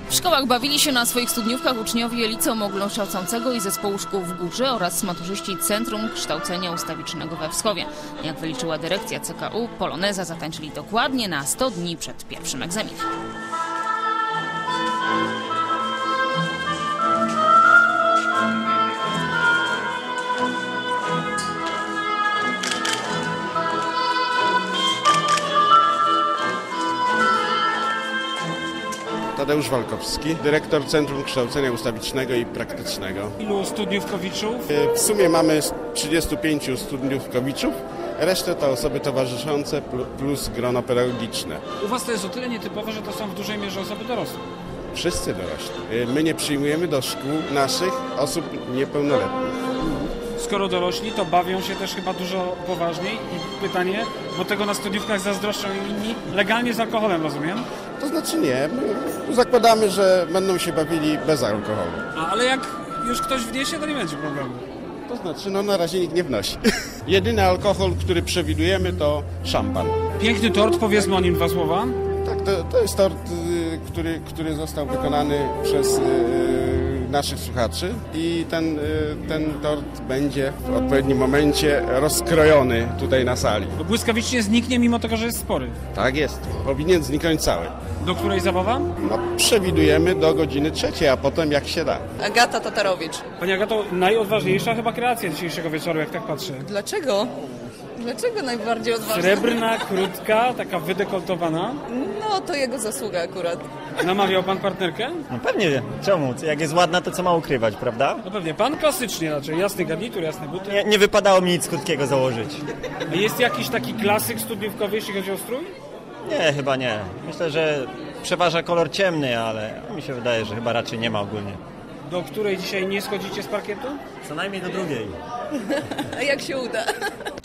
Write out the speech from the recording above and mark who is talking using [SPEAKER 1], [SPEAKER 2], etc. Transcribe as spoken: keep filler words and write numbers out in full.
[SPEAKER 1] W szkołach bawili się na swoich studniówkach uczniowie Liceum Ogólnokształcącego i Zespołu Szkół w Górze oraz maturzyści Centrum Kształcenia Ustawicznego we Wschowie. Jak wyliczyła dyrekcja C K U, poloneza zatańczyli dokładnie na sto dni przed pierwszym egzaminem.
[SPEAKER 2] Tadeusz Walkowski, dyrektor Centrum Kształcenia Ustawicznego i Praktycznego.
[SPEAKER 3] Ilu studniówkowiczów?
[SPEAKER 2] W sumie mamy trzydziestu pięciu studniówkowiczów, resztę to osoby towarzyszące plus grono pedagogiczne.
[SPEAKER 3] U Was to jest o tyle nietypowe, że to są w dużej mierze osoby dorosłe.
[SPEAKER 2] Wszyscy dorośli. My nie przyjmujemy do szkół naszych osób niepełnoletnich.
[SPEAKER 3] Skoro dorośli, to bawią się też chyba dużo poważniej. I pytanie, bo tego na studniówkach zazdroszczą inni, legalnie z alkoholem, rozumiem?
[SPEAKER 2] To znaczy nie, my zakładamy, że będą się bawili bez alkoholu.
[SPEAKER 3] A, ale jak już ktoś wniesie, to nie będzie problemu.
[SPEAKER 2] To znaczy, no na razie nikt nie wnosi. Jedyny alkohol, który przewidujemy, to szampan.
[SPEAKER 3] Piękny tort, powiedzmy o nim dwa słowa.
[SPEAKER 2] Tak, to, to jest tort, który, który został wykonany przez y, naszych słuchaczy i ten, y, ten tort będzie w odpowiednim momencie rozkrojony tutaj na sali.
[SPEAKER 3] To błyskawicznie zniknie, mimo tego, że jest spory.
[SPEAKER 2] Tak jest, powinien zniknąć cały.
[SPEAKER 3] Do której zabawa?
[SPEAKER 2] No, przewidujemy do godziny trzeciej, a potem jak się da.
[SPEAKER 4] Agata Tatarowicz.
[SPEAKER 3] Pani Agato, najodważniejsza chyba kreacja dzisiejszego wieczoru, jak tak patrzę.
[SPEAKER 4] Dlaczego? Dlaczego najbardziej odważna?
[SPEAKER 3] Srebrna, krótka, taka wydekoltowana.
[SPEAKER 4] No, to jego zasługa akurat.
[SPEAKER 3] Namawiał pan partnerkę?
[SPEAKER 5] No pewnie, czemu? Jak jest ładna, to co ma ukrywać, prawda?
[SPEAKER 3] No pewnie, pan klasycznie raczej, jasny garnitur, jasne buty.
[SPEAKER 5] Nie, nie wypadało mi nic krótkiego założyć.
[SPEAKER 3] A jest jakiś taki klasyk studniówkowy, jeśli chodzi o strój?
[SPEAKER 5] Nie, chyba nie. Myślę, że przeważa kolor ciemny, ale mi się wydaje, że chyba raczej nie ma ogólnie.
[SPEAKER 3] Do której dzisiaj nie schodzicie z parkietu?
[SPEAKER 5] Co najmniej do drugiej.
[SPEAKER 4] A jak się uda?